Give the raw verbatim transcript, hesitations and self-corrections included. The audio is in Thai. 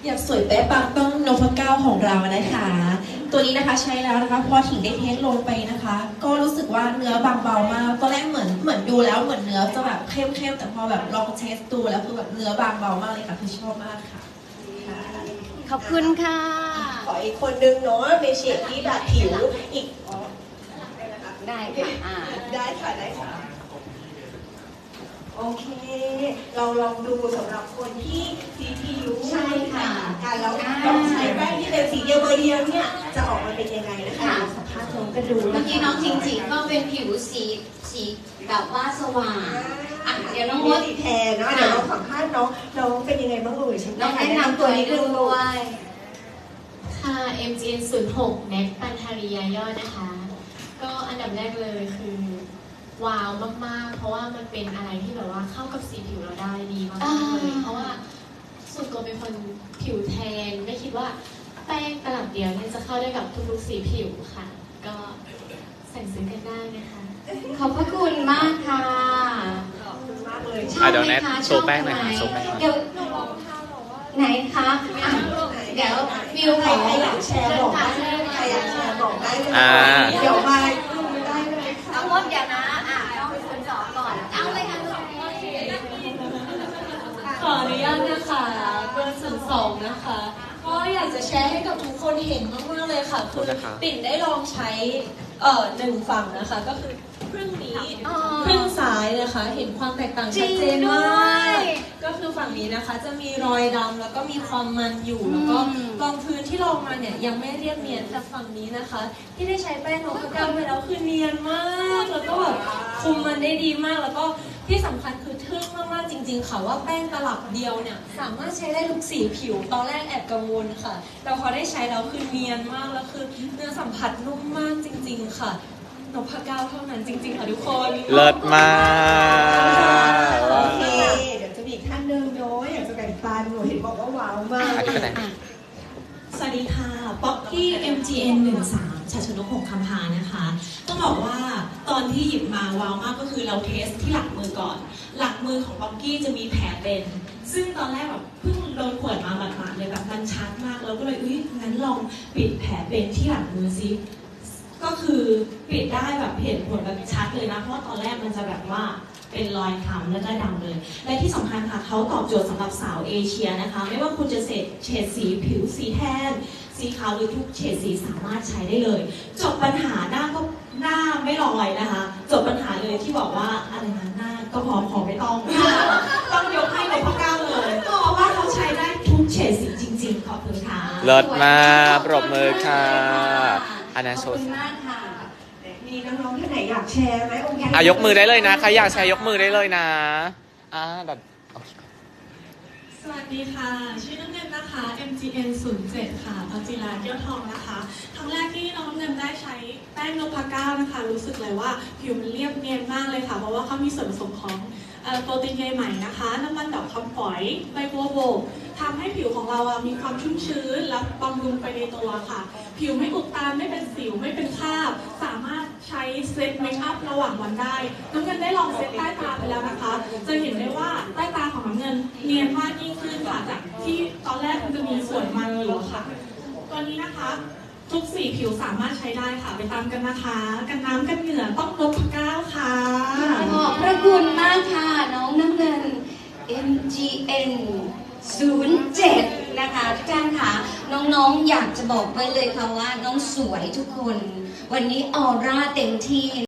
อยากสวยแป๊ะปังต้องนพเก้าของเรานะคะ ตัวนี้นะคะใช้แล้วนะคะพอถิงได้เทสลงไปนะคะ ก็รู้สึกว่าเนื้อบางเบามากตอนแรกเหมือนเหมือนดูแล้วเหมือนเนื้อจะแบบเข้มๆแต่พอแบบลองเทสดูแล้วคือแบบเนื้อบางเบามากเลยค่ะคือชอบมากค่ะขอบคุณค่ะขออีกคนนึงเนาะในเฉดที่แบบผิวอีกอ๋อได้ค่ะอ่าได้ค่ะได้ค่ะโอเคเราลองดูสำหรับคนที่สีผิวใช่ค่ะกันแล้วต้องใช้แป้งที่เป็นสีเดียวเบอร์เดียวเนี่ยจะออกมาเป็นยังไงนะคะสัมภาษณ์น้องกันดูเมื่อกี้น้องจริงๆก็เป็นผิวสีสีแบบว่าสว่างอ่ะเดี๋ยวน้องมดสีแทนนะเดี๋ยวเราสัมภาษณ์น้องน้องเป็นยังไงบ้างเอ่ยน้องแนะนำตัวนิดนึงด้วยค่ะ เอ็ม จี เอ็น ศูนย์หก แน็กปันธาริยาย่อยนะคะก็อันดับแรกเลยคือว้าวมากๆเพราะว่ามันเป็นอะไรที่แบบว่าเข้ากับสีผิวเราได้ดีมากๆเลยเพราะว่าส่วนตัวเป็นคนผิวแทนไม่คิดว่าแป้งตลับเดียวเนี่ยจะเข้าได้กับทุกๆสีผิวค่ะก็สั่งซื้อกันได้นะคะขอบพระคุณมากค่ะขอบคุณมากเลยชอบไหมคะชอบไหมเดี๋ยวไหนคะเดี๋ยววิวใครใครอยากแชร์บอกได้ใครอยากแชร์บอกได้เลยเดี๋ยวมาดูได้เลยน้องมดเดี๋ยวนะอ่ะน้องเป็นคนสอนก่อนเอาเลยค่ะขออนุญาตนะคะเบอร์ศูนย์สองนะคะก็อยากจะแชร์ให้กับทุกคนเห็นมากๆเลยค่ะคือปิ่นได้ลองใช้เอ่อหนึ่งฝั่งนะคะก็คือครึ่งนี้ครึ่งซ้ายนะคะเห็นความแตกต่างชัดเจนมากก็คือฝั่งนี้นะคะจะมีรอยดำแล้วก็มีความมันอยู่แล้วก็รองพื้นที่ลองมาเนี่ยยังไม่เรียบเนียนแต่ฝั่งนี้นะคะ ที่ได้ใช้แป้งนพเก้าไปแล้วคือเนียนมากแล้วก็แบบคุมมันได้ดีมากแล้วก็ที่สำคัญคือทึ่งมากๆจริงๆค่ะว่าแป้งตลับเดียวเนี่ยสามารถใช้ได้ทุกสีผิวตอนแรกแอบกังวลค่ะแต่พอได้ใช้แล้วคือเนียนมากแล้วคือเนื้อสัมผัสนุ่มมากจริงๆค่ะนพเก้าเท่านั้นจริงๆค่ะทุกคนเลิศมากโอเคเดี๋ยวจะมีอีกท่านหนึ่งเนาะอยากจะแบ่งปันหนูเห็นบอกว่าว้าวมากสวัสดีค่ะป๊อกกี้ เอ็ม จี เอ็น หนึ่งสาม ชัชนกหงส์คำพานะคะต้องบอกว่าตอนที่หยิบมาว้าวมากก็คือเราเทสที่หลังมือก่อนหลังมือของป๊อกกี้จะมีแผลเป็นซึ่งตอนแรกแบบเพิ่งโดนขวดมาหมาดๆเลยแบบมันชัดมากเราก็เลยอุ้ยงั้นลองปิดแผลเป็นที่หลังมือซิก็คือปิดได้แบบเห็นผลแบบชัดเลยนะเพราะว่าตอนแรกมันจะแบบว่าเป็นรอยคล้ำแล้วก็ดำเลยและที่สำคัญค่ะเขาตอบโจทย์สำหรับสาวเอเชียนะคะไม่ว่าคุณจะเฉดเฉดสีผิวสีแทนสีขาวหรือทุกเฉดสีสามารถใช้ได้เลยจบปัญหาหน้าก็หน้าไม่ลอยนะคะจบปัญหาเลยที่บอกว่าอะไรนะหน้าก็พอพอไม่ต้องต้องยกให้นพเก้าเลยเพราะว่าเขาใช้ได้ทุกเฉดสีจริงๆขอบคุณค่ะเลิศมากปรบมือค่ะอันนั้นโชว์มีน้องๆท่านไหนอยากแชร์ไหมองค์การอ่ะยกมือได้เลยนะใครอยากแชร์ยกมือได้เลยนะอ่าแบบสวัสดีค่ะชื่อน้ำเงินนะคะ เอ็ม จี เอ็น ศูนย์เจ็ด ค่ะพัชจิราเกี้ยวทองนะคะครั้งแรกที่น้องน้ำเงินได้ใช้แป้งนพเก้านะคะรู้สึกเลยว่าผิวมันเรียบเนียนมากเลยค่ะเพราะว่าเขามีส่วนผสมของโปรตีนใยไหมนะคะน้ำมันดอกคำฝอยใบบัวบกทำให้ผิวของเรามีความชุ่มชื้นและบำรุงไปในตัวค่ะผิวไม่อุดตันไม่เป็นสิวไม่เป็นคราบสามารถใช้เซตเมคอัพระหว่างวันได้น้ำเงินได้ลองเซตใต้ตาไปแล้วนะคะจะเห็นได้ว่าใต้ตาของน้ำเงินเนียนมากยิ่งขึ้นค่ะจากที่ตอนแรกมันจะมีส่วนมันอยู่ค่ะตัวนี้นะคะทุกสีผิวสามารถใช้ได้ค่ะไปตามกันนะคะกันน้ำกันเหงื่อต้องนพเก้าค่ะขอบพระคุณมากค่ะน้องน้ำเงิน เอ็ม จี เอ็น ศูนย์เจ็ด นะคะทุกท่านค่ะน้องๆอยากจะบอกไว้เลยค่ะว่าน้องสวยทุกคนวันนี้ออร่าเต็มที่